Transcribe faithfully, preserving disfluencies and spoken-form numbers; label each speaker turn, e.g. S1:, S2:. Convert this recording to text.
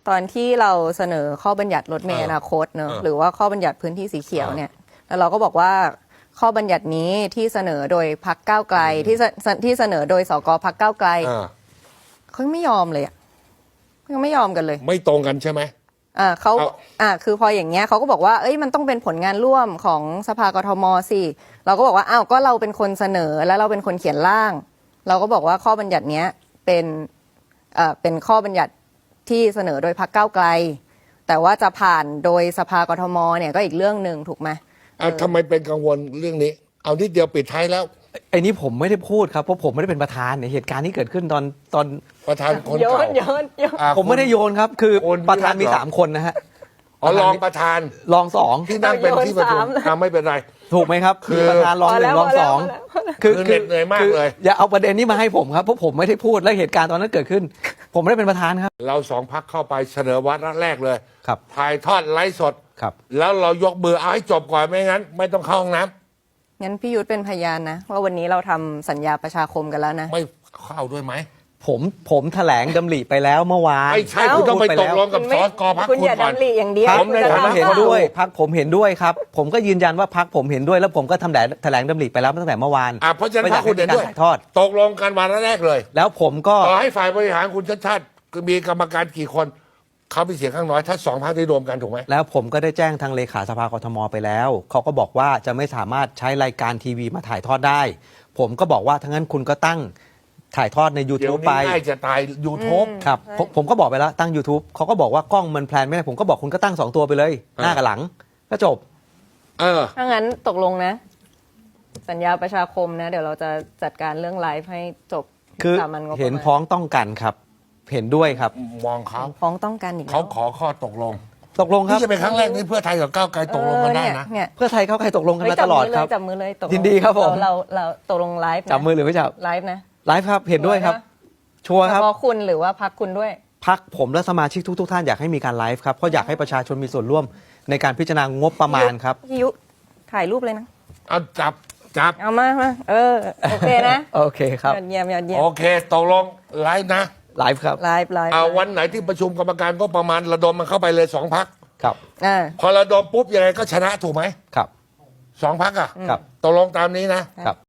S1: ตอนที่เราเสนอข้อบัญญัติรถเมล์อนาคตเนอะหรือว่าข้อบัญญัติพื้นที่สีเขียวเนี่ยแล้วเราก็บอกว่าข้อบัญญัตินี้ที่เสนอโดยพรรคก้าวไกลที่ที่เสนอโดยสกพรรคก้าวไกลเขาไม่ยอมเลยอ่ะยังไม่ยอมกันเลย
S2: ไม่ตรงกันใช่ไหม
S1: อ่าเขาอ่าคือพออย่างเงี้ยเขาก็บอกว่าเอ้ยมันต้องเป็นผลงานร่วมของสภากทมสิเราก็บอกว่าอ้าวก็เราเป็นคนเสนอแล้วเราเป็นคนเขียนร่างเราก็บอกว่าข้อบัญญัติเนี้ยเป็นเอ่อเป็นข้อบัญญัติที่เสนอโดยพรรคก้าวไกลแต่ว่าจะผ่านโดยสภากทมเนี่ยก็อีกเรื่องหนึ่งถูกไหม
S2: อ่าทำไมเป็นกังวลเรื่องนี้เอานิดเดียวปิดท้ายแล้ว
S3: ไอ้นี้ผมไม่ได้พูดครับเพราะผมไม่ได้เป็นประธานในเหตุการณ์ที่เกิดขึ้นตอนตอน
S2: ประธานคน
S1: โย
S2: เก่าน
S1: โยนโยน
S3: ผมไม่ได้โยนครับคือ
S2: คน
S3: ประธานมีสามคนนะฮะ
S2: อ๋อรองประธาน
S3: รองสอง
S2: ที่นั่งเป็นที่ประชุมอ่าไม่เป็นไร
S3: ถูกไหมครับ
S2: คือ
S3: มีประธานรองหนึ่งรองสอง
S2: คือเหน็ดเหนื่อยมากเลย
S3: อย่าเอาประเด็นนี้มาให้ผมครับเพราะผมไม่ได้พูดและเหตุการณ์ตอนนั้นเกิดขึ้น ผมไม่ได้เป็นประธานครับ
S2: เราสองพักเข้าไปเสนอวาระแรกเลย
S3: ครับ
S2: ถ่ายทอดไลฟ์สด
S3: ครับ
S2: แล้วเรายกมือเอาให้จบก่อนไม่งั้น ไม่ต้องเข้าห้องน้ำ
S1: งั้นพี่ยุทธเป็นพยานนะว่าวันนี้เราทำสัญญาประชาคมกันแล้วนะ
S2: ไม่เข้าด้วยไหม
S3: ผมผมแถลงดำริไปแล้วเมื่อวาน
S2: ไม่ใช่คุณต้องไปตกลงกับสกพัก
S1: คุณ
S2: คุณ
S1: อย่า
S2: ก่อน
S1: ดำริอย่างเดียว
S2: ผมใน
S3: ผม
S2: ฐานะ
S3: เห็นด้วยพักผมเห็นด้วยครับ ผมก็ยืนยันว่าพักผมเห็นด้วยแล้วผมก็ทำแถลงแถลงดำริไปแล้วตั้งแต่เมื่อวาน
S2: อ่าเพราะฉะนั้นพรรคคุณเห็นด้วย
S3: ถ่ายทอด
S2: ตกลงกันวาระแรกเลย
S3: แล้วผมก็
S2: ต่อให้ฝ่ายบริหารคุณชัดชาติมีกรรมการกี่คนเขาเป็นเสียงข้างน้อยถ้าสองพรรคได้รวมกันถูกไหม
S3: แล้วผมก็ได้แจ้งทางเลขาสภากทมไปแล้วเขาก็บอกว่าจะไม่สามารถใช้รายการทีวีมาถ่ายทอดได้ ผมก็บอกว่าทั้างนั้นคุณก็ตั้งถ่ายทอดใน
S2: เดี๋ยว
S3: YouTube
S2: นี้
S3: ไป
S2: ง่ายจะตาย YouTube
S3: ครับผมผมก็บอกไปแล้วตั้ง YouTube เขาก็บอกว่ากล้องมันแพลนไม่ได้ผมก็บอกคุณก็ตั้งสองตัวไปเลย หน้ากับหลังก็จบ
S2: เออ
S1: ถ้างั้นตกลงนะ สัญญาประชาคมนะเดี๋ยวเราจะจัดการเรื่องไลฟ์ให้จบ
S3: คือ
S1: สามัญงบประมาณ
S3: เห็นพ้องต้องกันครับ เห็นด้วยครับ
S2: มองเขา
S1: ฟ้องต้องกันอีกแล้ว
S2: เขาขอข้อตกลง
S3: ตกลงครั
S2: นี่
S3: บ
S2: จะเป็นครั้งแรกที่เพื่อไทยกับก้าวไกลตกลงกันได้นะ
S1: เออเนี่ย
S3: เพื่อไทยเขาใครตกลงกัน
S1: เฮ้ย
S3: มาตลอดครับ
S1: จับมือเลยจับมือเลยตกลง
S3: ยินดีครับผม
S1: เราเราเราตกลงไลฟ์นะ
S3: จับมือหรือไม่จับ
S1: ไลฟ์นะ
S3: ไลฟ์ครับเห็นด้วยครับ ชัวร์ครับ
S1: เฉพาะคุณหรือว่าพักคุณด้วย
S3: พักผมและสมาชิกทุกๆท่านอยากให้มีการไลฟ์ครับเพราะอยากให้ประชาชนมีส่วนร่วมในการพิจารณางบประมาณครับ
S1: พี่ยุถ่ายรูปเลยนะ
S2: เอาจับจับ
S1: เอามามาเออโอเคนะ
S3: โอเคครับ
S1: ยอดเยี่ยมยอดเยี่ยม
S2: โอเคตกลงไลฟ์นะ
S3: ไลฟ์ครับ
S1: ไลฟ์ไลฟ์
S2: เอาวันไหนที่ประชุมกรรมการก็ประมาณระดมมันเข้าไปเลยสองพัก
S3: ครับ
S1: อ่า
S2: พอระดมปุ๊บยังไงก็ชนะถูกไหม
S3: ครับ
S2: สองพักอ่ะ
S3: ครับ
S2: ตกลงตามนี้นะครับ